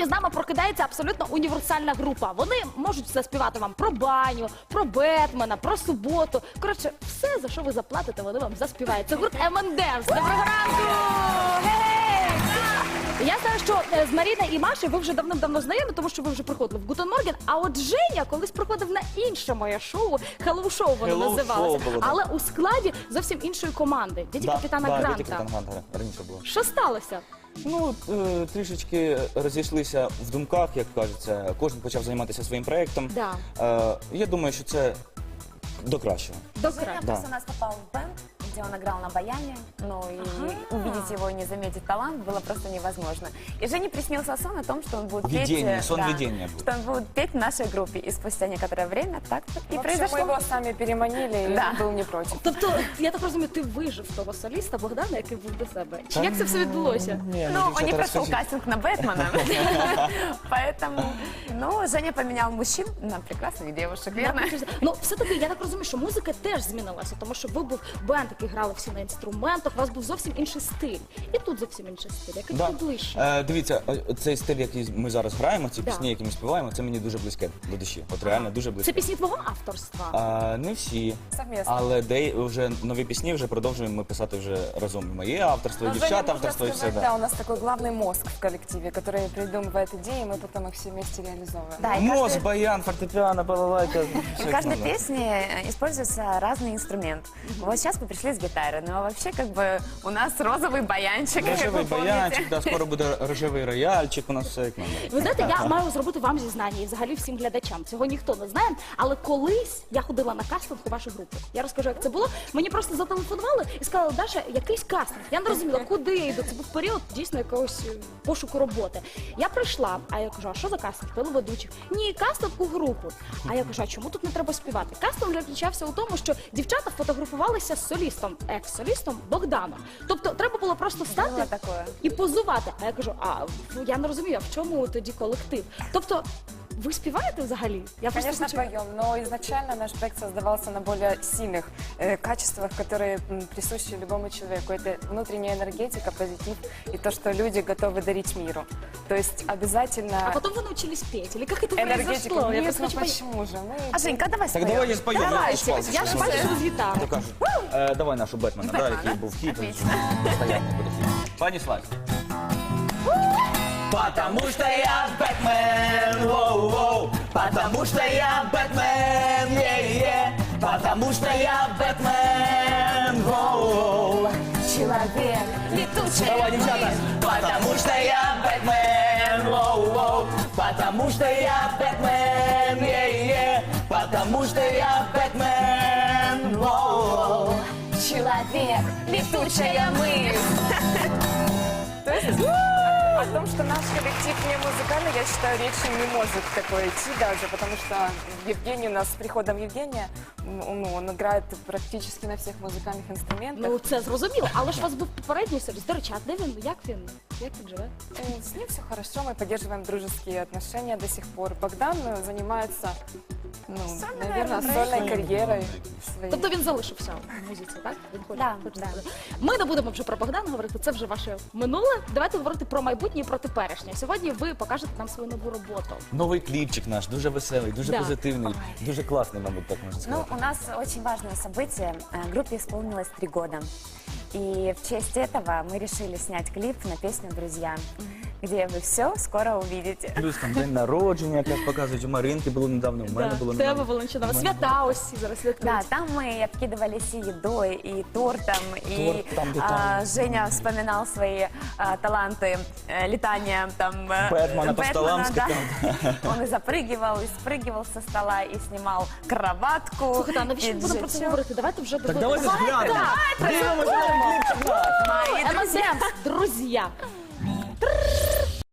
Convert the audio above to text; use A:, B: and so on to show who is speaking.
A: Сьогодні з нами прокидається абсолютно універсальна група. Вони можуть заспівати вам про баню, про Бетмена, про суботу. Коротше, все, за що ви заплатите, вони вам заспівають. Це гурт M&M's. Доброго ранку! Гей! Я знаю, що з Маріною і Машею ви вже давним-давно знайомі, тому що ви вже приходили в Гутен Морген. А от Женя колись приходив на інше моє шоу, Hello Show воно
B: Hello
A: називалося.
B: Show було,
A: Але у складі зовсім іншої команди. Дяді капітана
B: Дяді
A: Гранта.
B: капітан Гранта раніше було.
A: Що сталося?
B: Ну, трішечки розійшлися в думках, як кажеться. Кожен почав займатися своїм проєктом.
A: Да.
B: Я думаю, що це до кращого.
A: Добре.
B: Да.
C: Просто у нас попал в бенд, где он играл на баяне, но и увидеть его и не заметить талант было просто невозможно. И Жене приснился сон о том, что он будет
B: Видение,
C: петь...
B: сон видения был.
C: Что он будет петь в нашей группе. И спустя некоторое время так и
D: В общем,
C: произошло.
D: мы его сами переманили, и
C: Да.
D: он был не против.
A: Тобто, я так розумію, ти вижив того соліста Богдана, який був до себе. Чи як це все відбулося?
C: Ну, он не прошел кастинг на Бэтмена. Поэтому, ну, Женя поменял мужчин на прекрасных девушек, верно?
A: Ну, все-таки, я так розумію, що музика теж змінилася, тому що ви був бенд, який грали всі на інструментах, у вас був зовсім інший стиль. І тут зовсім інший стиль, який тобі ближче.
B: Дивіться, цей стиль, який ми зараз граємо, ці
A: Да.
B: пісні, які ми співаємо, це мені дуже близьке до душі. От реально дуже
A: Це
B: близьке.
A: пісні твого авторства?
B: Не всі,
D: Совместно.
B: але вже нові пісні вже продовжуємо ми писати вже разом. І моє авторство, і
D: Но Женя,
B: дівчат
D: можно
B: авторство, і все.
D: сказать,
B: Да.
D: да, у нас такой главный мозг в коллективе, который придумывает идеи, и мы потом их все вместе реализовываем.
C: Да, и
B: Мозг,
C: каждый-
B: баян, фортепиано, балалайка.
C: в каждой песне используется разный инструмент. Вот сейчас мы пришли с гитары, но вообще как бы у нас розовый баянчик, как
B: Рожевий
C: вы помните.
B: баянчик, да, скоро буде рожевий рояльчик, у нас все як надо.
A: Ви знаєте, я маю зробити вам зізнання і взагалі всім глядачам. Цього ніхто не знає, але колись я ходила на кастинг у вашу групу. Я розкажу, як це було. Мені просто зателефонували і сказали, Даша, якийсь кастинг. Я не розуміла, куди я йду. Це був період дійсно якогось пошуку роботи. Я прийшла, а я кажу, а що за кастинг? Телеведучих. Ні, кастинг у групу. А я кажу, а чому тут не треба співати? Кастинг заключався у тому, що дівчата фотографувалися з солістом, екс-солістом Богданом. Тобто треба було просто стати
C: Було таке.
A: і позувати. А я кажу, я не розумію, а в чому тоді колектив? Тобто, ви співаєте взагалі? Я
D: Конечно,
A: хочу-
D: поем, но изначально наш проект создавался на более сильных качествах, которые присущи любому человеку. Это внутренняя энергетика, позитив и то, что люди готовы дарить миру. То есть обязательно
A: А потом вы научились петь? Или как это
D: энергетика.
A: произошло? Я
D: Нет,
A: просто
D: ну
A: хочу понять.
D: почему же? Мы
C: А Женька, давай
B: Так
C: споем.
B: давай я спою.
C: Давайте.
A: Я ж бачу, що з гітари.
B: То кажуть, давай нашу Бетмена, да, який був хіт. Постоянно буде хіт. Пані Славі. Потому что я Бэтмен, воу-воу. Потому что я Бэтмен, е-е. Потому что я Бэтмен, воу-воу.
C: Человек, летучий.
B: Давай, девчата. Потому что я Бэтмен, воу-воу. Потому что я Бэтмен, е-е. Потому что я Бэтмен, воу-воу.
C: Человек, летучая мысль.
D: То есть о том, что наш коллектив не музыкальный, я считаю, речи не может такое идти даже, потому что Евгений у нас с приходом Евгения, он играет практически на всех музыкальных инструментах.
A: Ну, це зрозуміло, але ж у вас був попередній соліст. До речі, а де він? Як він живе?
D: С ним все хорошо, мы поддерживаем дружеские отношения до сих пор. Богдан занимается, наверное, сольной карьерой своей.
A: Тобто він залишився в музиці, так? Він хоче,
C: Да,
A: хоче
C: да.
A: сказати. Ми не будемо вже про Богдана говорити, це вже ваше минуле. Давайте говорити про майбутнє і про теперішнє. Сьогодні ви покажете нам свою нову роботу.
B: Новий кліпчик наш, дуже веселий, дуже
A: Да.
B: позитивний, дуже класний, мабуть, так можна
C: Ну,
B: сказати.
C: у нас очень важное событие. Группе исполнилось 3 года. И в честь этого мы решили снять клип на песню «Друзья», где вы все скоро увидите.
B: Плюс там день народження, як показують, у Маринки було недавно, у мене було
A: Тебе,
B: недавно.
A: Валентина, свята ось ці зараз святкують.
C: Да, там мы обкидывались и едой, и тортом, и
B: Торт там, где там.
C: Женя вспоминал свои таланты летания там
B: Бэтмена по столам
C: да.
B: скакал.
C: Он и запрыгивал, и спрыгивал со стола, и снимал кроватку.
A: Слухайте, а навіщо
C: и
A: ми будемо про це
C: джетчок.
A: говорити? Давайте вже
B: Так давайте зглянемо. Дивимося новий кліпчик наш.
C: Мои друзья.
A: M&M's, друзі.